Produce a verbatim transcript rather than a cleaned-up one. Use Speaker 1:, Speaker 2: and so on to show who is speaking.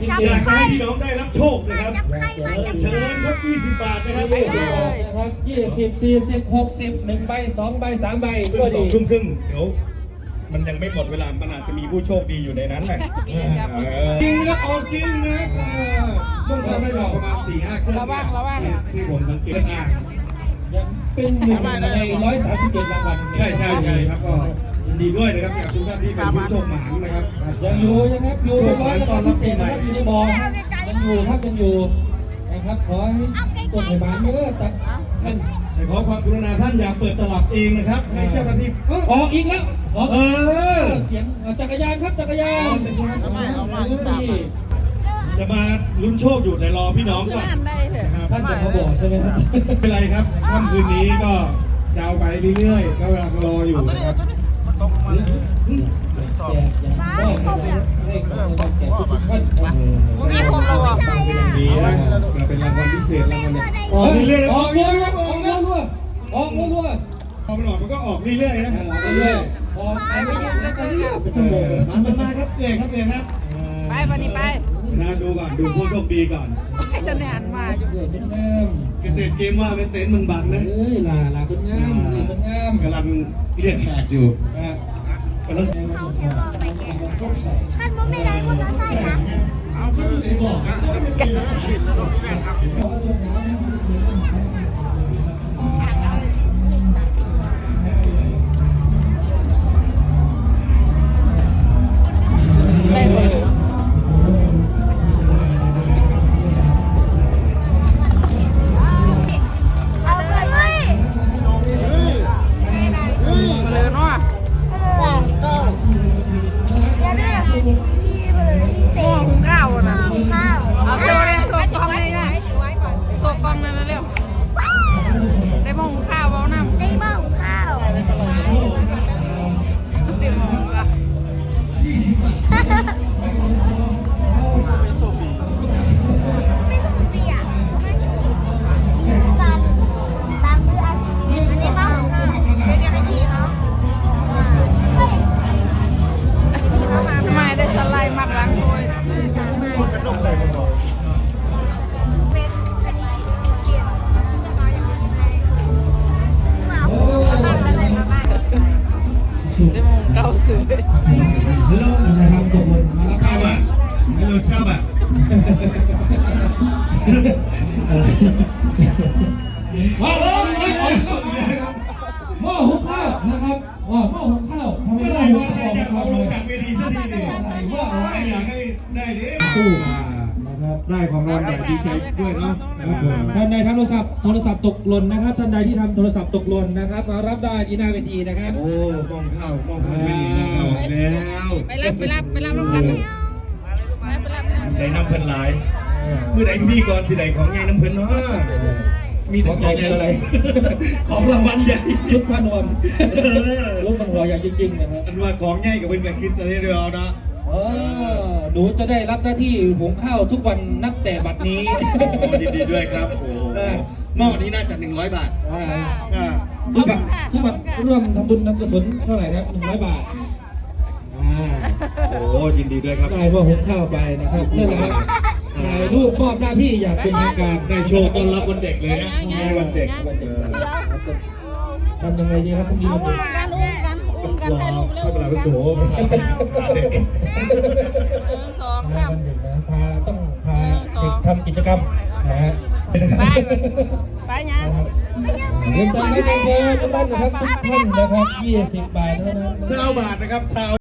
Speaker 1: อยากให้พี่น้องได้รับโชคนะครับเชิญครับยี่สิบบาทนะครับ
Speaker 2: นะครับยี่สิบสี่สิบหกสิบหนึ่งใบสองใบสามใบก็ดี
Speaker 1: สองทุ่มครึ่งเดี๋ยวมันยังไม่หมดเวลามันอาจจะมีผู้โชคดีอยู่ในนั้นแหละจริงนะออกจริงนะต้องทำได้ประมาณสี่ห้าเครื่องระวังระวังที่ผมสังเกตอ่าง
Speaker 2: ยังเป็นหนึ่งในร้อยสามสิบเจ็ดรางวัล
Speaker 1: ใช่ใช่ใช่ครับก็ยินดีด้วยนะครับกับทุกท่านที่เป็นผู้โชคหมานนะครับ
Speaker 2: ยังอยู่นะครับอยู่ร้อยตอนพิเศษนะครับอยู่ในบ่อยังอยู่ครับยังอยู่นะครับขอให้กดให้บานเยอะแต่ท่าน
Speaker 1: ขอความกรุณาท่านอย่าเปิดตลับเองนะครับให้เจ้าหน้าที่
Speaker 2: ออกอีกแล้วออก
Speaker 1: เออ
Speaker 2: เสียงจักรยานครับจักรยาน
Speaker 1: จะมาลุ้นโชคอยู่แต่รอพี่น้องก่อน
Speaker 2: ท่านจะมาบอกใช่ไหมครับ
Speaker 1: ไม่เป็นไรครับค่ำคืนนี้ก็ยาวไปเรื่อยๆก็กำลังรออยู่นะครับ
Speaker 3: มีผมเราบอก
Speaker 1: ดีนะจะเป็นรางวัลพิเศษรางวัลออกเรื่อยๆ
Speaker 2: ออกเรื่อยๆออกเรื่อยๆออกเรื่อย
Speaker 1: ๆพอมันออกมันก็ออกเรื่อยๆนะ
Speaker 2: เรื่อยๆออกไปเรื่อยๆเป็นชั่วโมงเลย
Speaker 1: มามาครับเอ๋ครับเอ๋ครับ
Speaker 3: ไปวันนี้ไป
Speaker 1: นะดูก่อนดูผู้โชคดีก่อน
Speaker 3: จะแนนมาอยู่
Speaker 1: เกษตรเกมว่าเป็นเต็นท์มึงบังนะ
Speaker 2: เอ้ยลาลาคนงามคนงาม
Speaker 1: กำลังเรียกแขกอยู่
Speaker 3: ท่านมุ้งไม่ได้คนละไส้นะได้หมดเลยเอาเลยเว้ยมาเลยเนาะอย่าเรียกพี่มาเลยพี่เต้หุงข้าวนะหุงข้าวเอาเร็วเร็วโชว์กล้องเลยนะโชว์กล้องเลยนะเร็วได้หม้อหุงข้าวเอาน้ำได้หม้อหุงข้าวได้หม้อละทำไมได้สไลด์มักล้างโอยจะมองเก่าสื่อ
Speaker 2: ฮัลโหลนะครับตกลงมาแล้วครับ
Speaker 1: ทราบอ่ะฮัลโหลทราบอ่ะ
Speaker 2: ว้าวหม้อหุงข้าวนะครับว้าวหม้อหุงข้าวทำไม
Speaker 1: เมื่อไหร่
Speaker 2: หม้อ
Speaker 1: ว่า
Speaker 2: หุง
Speaker 1: ใคร
Speaker 2: ข้าว
Speaker 1: จะเอาลงจากเวทีสักทีเนี่ยว่าอะไรอยากให้ได้ดิ
Speaker 2: ตู้นะครับ
Speaker 1: ได้ของรางวัลใหญ่ดีใจด้วยเนาะ
Speaker 2: ท่านใดทำโทรศัพท์โทรศัพท์ตกหล่นนะครับท่านใดที่ทำโทรศัพท์ตกหล่นนะครับมารับได้ที่หน้าเวทีนะครับ
Speaker 1: โอ้มองเข้ามองเข้าไม่ดีมองเข้าแล้ว
Speaker 3: ไปรับไปรับไปรับลงกันไปรับ
Speaker 1: ใจน้ำเพิ่นหลายเมื่อไหร่พี่ก่อนสิไหนของใหญ่น้ำเพิ่นเนาะมีแต่ของใหญ่อะไรของรางวัลใหญ่
Speaker 2: ชุดพนวมลูกมันหัวใหญ่จริงๆนะครับ
Speaker 1: อันว่าของใหญ่กับเป็นแบบคิดอะไรเดียวนะ
Speaker 2: หนูจะได้รับหน้าที่หุงข้าวทุกวันนับแต่บัดนี้
Speaker 1: ยินดีด้วยครับโอ้หม้อนี้น่าจะหนึ่งร้อยบาท
Speaker 2: ซื้อบัตรซื้อบัตรร่วมทำบุญนำกุศลเท่าไหร่ครับหนึ่งร้อยบาท
Speaker 1: โอ้ยินดีด้วยครับ
Speaker 2: ได้ว่าหุงข้าวไปนะครับนั่นแหละครับถ่ายรูปมอบหน้าที่อย่างเป็นทางการ
Speaker 1: ได้โชว์ต้อนรับวันเด็กเลยนะวันเด็ก
Speaker 2: ทำยังไงดีครับพรุ่งนี้วันเด็ก
Speaker 3: การอุ้มกันอุ้มกันให้ลูกเร็ว
Speaker 1: เข้าไปแล้วโสเด็ก
Speaker 3: หนึ่งสองสาม
Speaker 2: พาต้องพาเด็กทำกิจกรรมนะฮะ
Speaker 3: ไปไปเนี่ย
Speaker 2: เรียนใจให้เด็กๆทุกท่านนะครับทุกท่านนะครับยี่สิบบาทเท่านั้น
Speaker 1: เจ้าบาทนะครับ